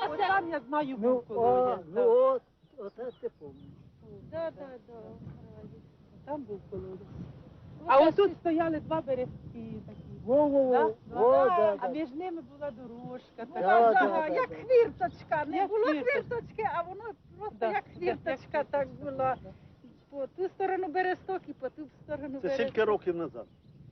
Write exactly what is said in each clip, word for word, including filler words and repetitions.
От там я знаю Ну, був колодязь. ну от, оце ти пам'ятаєш. Да, да, да. Там був колодязь. А ось тут стояли два березки такі. Во-во-во, Да? о, Да. да, А да. між ними була дорожка. Да, Ага, да, ага, да, як да. хвірточка. Не Як було хвірточка. хвірточки, а воно просто Да, як да, хвірточка як так хвірточка, була. да. По ту сторону бересток і по ту сторону Це бересток. скільки років назад?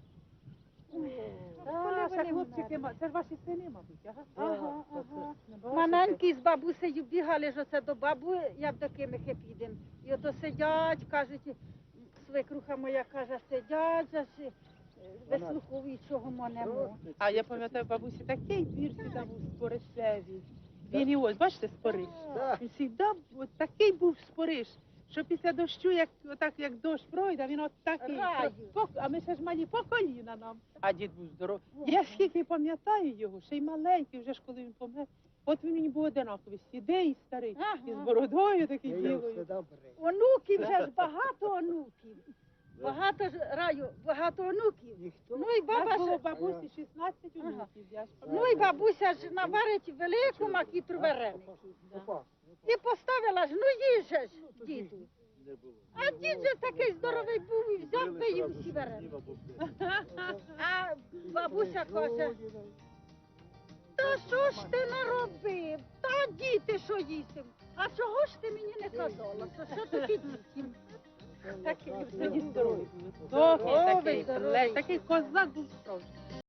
А, Коли ще вони хлопчики, вмерли? ма- це ж ваші сини, мабуть, ага? Ага, Так, ага. Не бачите? Маленькі з бабусею бігали ж оце до бабу, як до Кимихи підемо. І ото сидять, кажуть, свекруха моя каже, сидять, же ж, е, вислуховують, чого ми немо. А я пам'ятаю, бабусі, такий двір сюди був споришевий. Він і ось, бачите, спориш. Да. Він завжди от такий був спориш, що після дощу, як, отак, як дощ пройде, він от такий. Раю. По- А ми ще ж малі по коліна нам. А дід був здоровий. Я скільки пам'ятаю його, ще й маленький, вже ж коли він помер. От він мені був одинаковий, сідий і старий, Ага. і з бородою такий Я ділою. все добре. Онуків вже ж багато онуків. Багато ж раю, багато онуків. Ніхто. Ну і У баба нас було ж, бабусі шістнадцять Ага. онуків, я ж ну пам'ятаю. і бабуся ж наварить велику макітру вареник. Опа. І поставила ж, ну їже ж, діду. Не було. А дід же такий здоровий був і взяв та їв всі вареники. А бабуся каже, та що ж ти наробив? Та діти що їсти? А чого ж ти мені не казала? Що, що такі діти? Такі Тоді люди. здоровий був. Здоровий Здоровий, такий, здоровий. блядь, такий козак був справжній.